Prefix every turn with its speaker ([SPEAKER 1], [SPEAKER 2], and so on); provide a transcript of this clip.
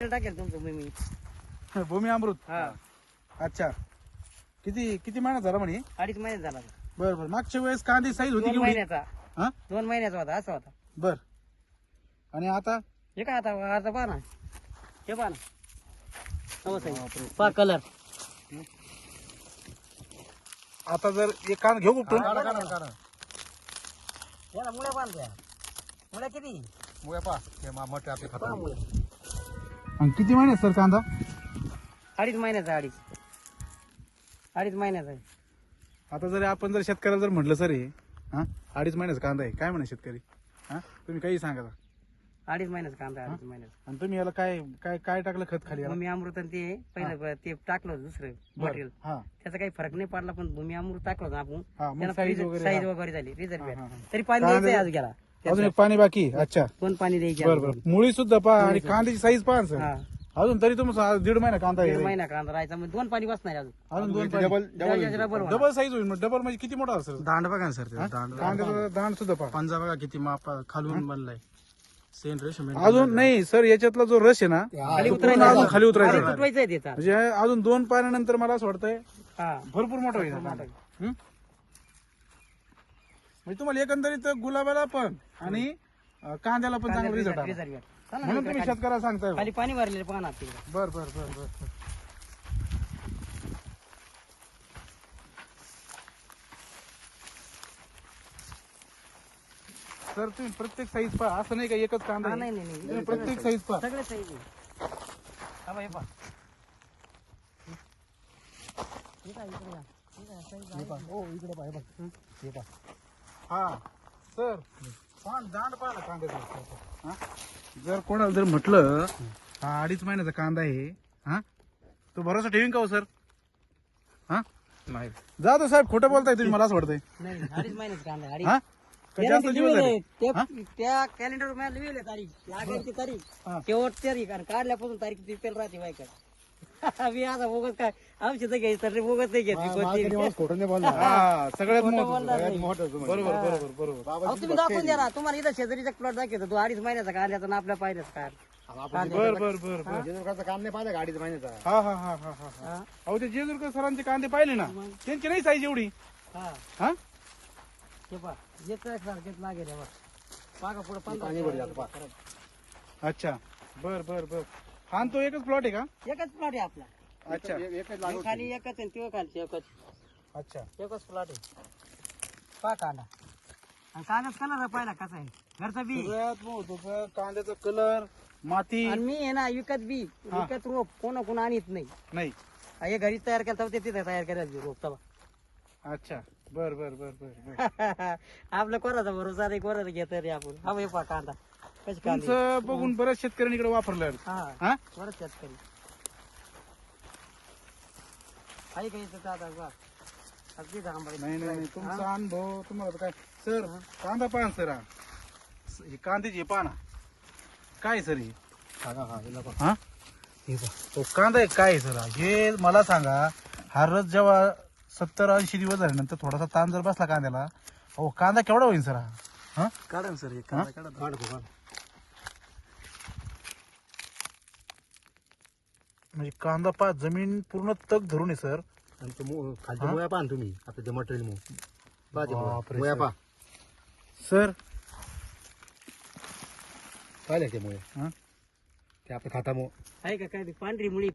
[SPEAKER 1] Tractor टाकेल तुमचं मी
[SPEAKER 2] भूमी अमृत.
[SPEAKER 1] हा
[SPEAKER 2] अच्छा, किती किती महिन्यात झाला म्हणे?
[SPEAKER 1] 2.5 महिन्यात झाला तो.
[SPEAKER 2] बर बर. मागच्या वेळेस कांदी साईज होती
[SPEAKER 1] 2
[SPEAKER 2] केवढी?
[SPEAKER 1] महिन्याचा
[SPEAKER 2] हा
[SPEAKER 1] 2 महिन्याचा होता असा होता.
[SPEAKER 2] बर. आणि आता
[SPEAKER 1] हे काय आता पहा ना, हे पहा ना पहा कलर.
[SPEAKER 2] आता जर एक कांदा घेऊ कुठून?
[SPEAKER 1] याला मुळ्या बांधल्या, मुळ्या किती
[SPEAKER 3] मुळे पा हे मोठे आपले
[SPEAKER 1] पहा
[SPEAKER 3] खतम.
[SPEAKER 1] मुळ्या.
[SPEAKER 2] आणि किती महिन्यात सर कांदा?
[SPEAKER 1] 2.5 महिन्याचा 2.5 महिन्याचा आहे.
[SPEAKER 2] आता जर आपण जर शेतकऱ्याला जर म्हटलं सर हे 2.5 महिन्याचा कांदा आहे, काय म्हणा शेतकरी? तुम्ही काही सांगा.
[SPEAKER 1] 2.5 महिन्याचा कांदा 2.5 महिन्याचा.
[SPEAKER 2] आणि तुम्ही याला काय काय काय टाकलं खत खाली याला?
[SPEAKER 1] भूमी अमृत आणि ते पहिलं ते टाकलं होतं दुसरं मटेरियल,
[SPEAKER 2] हा
[SPEAKER 1] त्याचा काही फरक नाही पडला. पण भूमी अमृत टाकलं होतं आपण,
[SPEAKER 2] हा, मग
[SPEAKER 1] त्याला
[SPEAKER 2] size वगैरे,
[SPEAKER 1] साईज
[SPEAKER 2] हा.
[SPEAKER 1] वगैरे झाली रिझल्ट
[SPEAKER 2] हा,
[SPEAKER 1] भेटला.
[SPEAKER 2] हा.
[SPEAKER 1] तरी पाणी
[SPEAKER 2] कांदा-
[SPEAKER 1] द्यायचं आज गेला
[SPEAKER 2] अजून एक पाणी बाकी. अच्छा,
[SPEAKER 1] कोण पाणी द्यायचे
[SPEAKER 2] बर बर. मुळी सुद्धा पहा आणि कांद्याची साईज पहा सर.
[SPEAKER 1] हा
[SPEAKER 2] अजून तरी तुमचा 1.5 महिना कांदा
[SPEAKER 1] 1.5
[SPEAKER 2] आहे.
[SPEAKER 1] महिना कांदा राहायचा म्हणजे 2 पाणी बसणार अजून.
[SPEAKER 2] अजून 2
[SPEAKER 1] डबल
[SPEAKER 2] डबल साईज होईल. मग डबल म्हणजे किती मोठा असेल?
[SPEAKER 3] दांड बघा ना सर, ते दांड
[SPEAKER 2] कांद्याचा दांड सुद्धा पहा.
[SPEAKER 3] पंजा बघा किती माप खालून बनलाय. सेंट रेशम
[SPEAKER 2] अजून नाही सर, याच्यातला जो रस आहे ना
[SPEAKER 1] खाली
[SPEAKER 2] तो
[SPEAKER 1] उतरायचं
[SPEAKER 2] पूर्ण अजून खाली
[SPEAKER 1] खाली
[SPEAKER 2] उतरायचा.
[SPEAKER 1] उतरवायचं आहे त्याचा.
[SPEAKER 2] म्हणजे अजून 2 पाण्यानंतर मला असं वाटतंय
[SPEAKER 1] हा
[SPEAKER 2] भरपूर मोठा होईल.
[SPEAKER 1] मोठा होईल.
[SPEAKER 2] हं? म्हणजे तुम्हाला एकंदरीत गुलाबाला पण आणि कांद्याला पण चांगला रिझल्ट आला.
[SPEAKER 1] रिझल्ट भेटला. चला ना
[SPEAKER 2] म्हणून
[SPEAKER 1] इकडे
[SPEAKER 2] तुम्ही
[SPEAKER 1] खाली-
[SPEAKER 2] शेतकऱ्याला सांगताय.
[SPEAKER 1] खाली पाणी भरलेलं पाहा ना तिकडे.
[SPEAKER 2] बर बर बर बर. सर तुम्ही प्रत्येक साईज पहा, असं नाही का एकच कांदा
[SPEAKER 1] हा,
[SPEAKER 2] आहे.
[SPEAKER 1] नाही नाही नाही
[SPEAKER 2] तुम्ही प्रत्येक साईज पहा.
[SPEAKER 1] सगळे साईज आहे. हा बा, हे पहा. हे काय इकडे या. हे काय size आहे.
[SPEAKER 2] हो इकडे पहा, हे बघ. हे पहा. हा सर, दांड पहा ना कांद्याचा. जर कोणाला जर म्हटलं हा 2.5 महिन्याचा कांदा आहे, तो भरोसा ठेवीन का हो सर?
[SPEAKER 3] नाही.
[SPEAKER 2] जातो साहेब, खोटं बोलताय तुम्ही, मला असं वाटतंय.
[SPEAKER 1] नाही 2.5 महिन्याचा कांदा आहे.
[SPEAKER 2] हा का जास्त
[SPEAKER 1] Guarantee
[SPEAKER 2] दिवस झाले?
[SPEAKER 1] लिहिलेलं आहे. त्या कॅलेंडर मध्ये लिहिलेलं आहे तारीख, लागायची तारीख,
[SPEAKER 2] हा.
[SPEAKER 1] शेवट तारीख आणि काढल्यापासून तारीख ती पेल राहते बायका. मी आता बोगस काय औषध घ्यायचं तर बोगस नाही घेतली कोणती.
[SPEAKER 3] खोटं नाही बोलला.
[SPEAKER 2] हा सगळ्यात
[SPEAKER 1] खोटं
[SPEAKER 2] महत्त्वाचं.
[SPEAKER 1] बोलणार नाही.
[SPEAKER 2] बरोबर बरोबर बरोबर.
[SPEAKER 1] अहो, तुम्ही दाखवून द्या ना, तुम्हाला इथं शेजारीचा प्लॉट दाखवतो तो 2.5 महिन्याचा कांद्याचा ना आपल्या पाहिल्याच काय.
[SPEAKER 2] बर बर बर बर.
[SPEAKER 3] जेजुरकाचं काम नाही पाहिलं गाडीचं महिन्याचा.
[SPEAKER 2] हा हा हा हा हा.
[SPEAKER 1] हा?
[SPEAKER 2] अहो ते जेजुरकर सरांचे कांदे पाहिले ना, त्यांची नाही साईज एवढी.
[SPEAKER 1] हा.
[SPEAKER 2] हा
[SPEAKER 1] हे पहा, येत सारखेच लागेल हे बघ. पागा पुढे
[SPEAKER 3] पाणी भरलं आता, पहा.
[SPEAKER 2] अच्छा, बर बर बर. हा आणि तो एकच प्लॉट आहे का?
[SPEAKER 1] एकच प्लॉट आहे आपला.
[SPEAKER 2] अच्छा
[SPEAKER 3] एकच
[SPEAKER 1] हे
[SPEAKER 3] लागवड
[SPEAKER 1] खाली एकच आहे तो खालची एकच.
[SPEAKER 2] अच्छा.
[SPEAKER 1] एकच प्लॉट आहे. पहा कांदा आणि कांद्याचा कलर पाहिला कसा आहे, घरचा बी.
[SPEAKER 2] सगळ्यात महत्वाचं कांद्याचा कलर, माती
[SPEAKER 1] आणि मी आहे ना विकत बी
[SPEAKER 2] हा.
[SPEAKER 1] विकत रोप कोण आणत नाही.
[SPEAKER 2] नाही.
[SPEAKER 1] हे घरी तयार केलं तर ते तिथे तयार करायचं रोप तेव्हा.
[SPEAKER 2] अच्छा, बर बर बर बर बर.
[SPEAKER 1] आपलं कोणाचा भरोसा नाही, कोणाचा घेत रे आपण. हा हे पहा कांदा कशी कांदी.
[SPEAKER 2] तुमचं बघून बऱ्याच शेतकऱ्यांनी इकडे वापरलं.
[SPEAKER 1] हा
[SPEAKER 2] हा
[SPEAKER 1] बरंच शेतकरी काही काही येतं आता बघ. अगदी आंबा
[SPEAKER 2] नाही नाही नाही, तुमचा अनुभव तुम्हाला तर काय सर. कांदा पाहा सर, ही कांद्याची पाहा ना काय सर ही. हा तो कांदा आहे काय सर? हे मला सांगा, हा रस जेव्हा 70-80 दिवस झाल्यानंतर थोडासा ताण जर बसला कांद्याला, हो कांदा केवढा होईल सर हा?
[SPEAKER 3] काढा ना सर, एक काढा काढा.
[SPEAKER 2] म्हणजे कांदा पहा, जमीन पूर्ण तग धरून आहे सर.
[SPEAKER 3] आणि ते खालच्या मुळ्या पहा ना तुम्ही, आता ते मटेरियल
[SPEAKER 2] बापरे
[SPEAKER 3] मुळ्या
[SPEAKER 2] सर.
[SPEAKER 3] पहा.
[SPEAKER 2] सर
[SPEAKER 3] पाहिले ते मुळे
[SPEAKER 2] हा?
[SPEAKER 3] ते आपल्या खातामुळे
[SPEAKER 1] आहे का काय ती पांढरी मुळी